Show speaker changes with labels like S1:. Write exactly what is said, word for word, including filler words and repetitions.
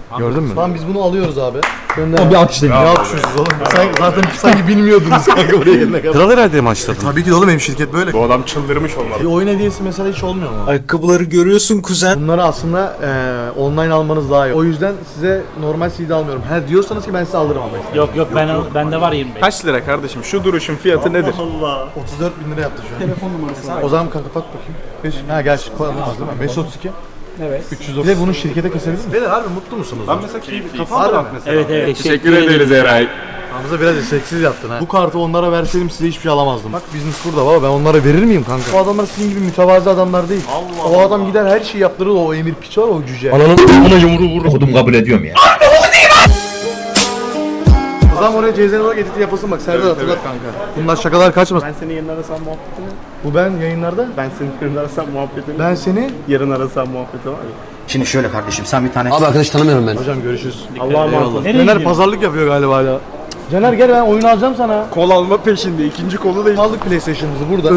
S1: Gördün mü?
S2: Tamam biz bunu alıyoruz abi. Gönder.
S3: Abi bir alkışlayın.
S2: Ne alkışlıyorsunuz oğlum? Sen, zaten sanki bilmiyordunuz kanka buraya gelene kadar.
S1: Kral herhalde mi açladın?
S2: Tabii ki de oğlum, benim şirket böyle.
S4: Bu adam çıldırmış olmalı.
S2: Bir oyun hediyesi mesela hiç olmuyor mu?
S5: Ayakkabıları görüyorsun kuzen.
S2: Bunları aslında e, online almanız daha iyi. O yüzden size normal C D almıyorum. Her diyorsanız ki ben size alırım ama.
S6: Yok yok ben bende var yirmi beş.
S4: Kaç lira kardeşim? Şu duruşun fiyatı nedir?
S2: otuz dört bin lira yaptı şu an. Telefon numarası. O zaman kanka kapat bakayım. Beş, ha gerçi koyamaz değil mi? beş otuz iki.
S6: Evet.
S2: üç yüz doksan. Bir de bunu şirkete kesebilir mi? Beyler harbi mutlu musunuz?
S4: Ben mesela keyif kafam rahat mesela.
S6: Evet evet.
S4: Teşekkür ederiz Eray.
S2: Hamza biraz seksiz yaptın ha. Bu kartı onlara verseydim size hiçbir şey alamazdım. Bak business burada baba, ben onlara verir miyim kanka? O adamlar sizin gibi mütevazi adamlar değil. Allah o adam gider her şeyi yaptırır, o emir piç var o cüce.
S3: Ananın buna yumruğu vurur. Kodum kabul ediyorum ya.
S2: O zaman oraya Ceyzen olarak editi yapasın bak, Serdar hatırlat kanka. Bunlar şakalar kaçmasın.
S7: Ben seni yarın arasam muhabbetini.
S2: Bu ben yayınlarda.
S7: Ben seni yarın arasam muhabbetini.
S2: Ben seni.
S7: Yarın arasam muhabbeti var ya.
S5: Şimdi şöyle kardeşim sen bir tane...
S3: Abi arkadaş tanımıyorum ben.
S2: Hocam görüşürüz.
S7: Allah'a emanet olun.
S2: Caner pazarlık yapıyor galiba hala. Caner gel, ben oyun alacağım sana.
S4: Kol alma peşinde. İkinci kolu da
S2: Aldık PlayStation'ımızı burada.